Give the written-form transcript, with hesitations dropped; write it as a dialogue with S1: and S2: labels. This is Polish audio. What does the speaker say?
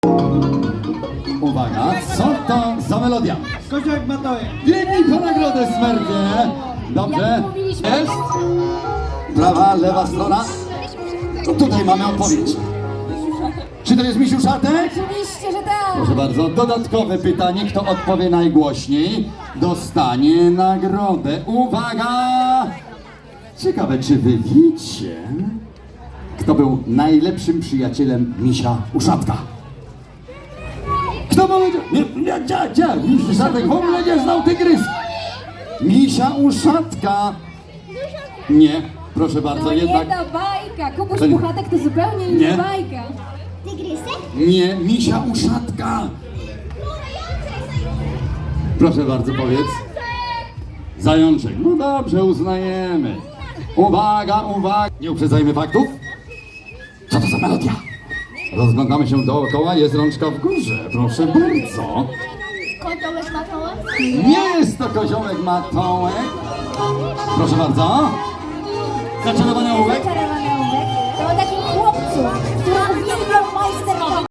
S1: Uwaga, co to za melodia?
S2: Koziołek Matołek.
S1: Biegnij po nagrodę, Smerdzie! Dobrze?
S3: Jak mówiliśmy.
S1: Jest? Prawa, lewa strona. Tutaj mamy odpowiedź. Czy to jest misiu szatek?
S3: Oczywiście, że tak.
S1: Proszę bardzo, dodatkowe pytanie. Kto odpowie najgłośniej, dostanie nagrodę. Uwaga! Ciekawe, czy wy wiecie, kto był najlepszym przyjacielem misia uszatka? Kto powiedział? Nie, miś uszatek w ogóle nie znał tygrys. Misia uszatka. Nie, proszę bardzo,
S3: To
S1: jednak
S3: jedna bajka. Kubuś
S1: To nie-
S3: Puchatek to zupełnie
S1: Nie.
S3: inna bajka.
S1: nie, misia uszatka. Proszę bardzo, powiedz. Zajączek. No dobrze, uznajemy. Uwaga, uwaga. Nie uprzedzajmy faktów. Co to za melodia? Rozglądamy się dookoła, jest rączka w górze. Proszę bardzo.
S4: Koziołek Matołek?
S1: Nie jest to koziołek Matołek. Proszę bardzo. Zaczarowania uwaga.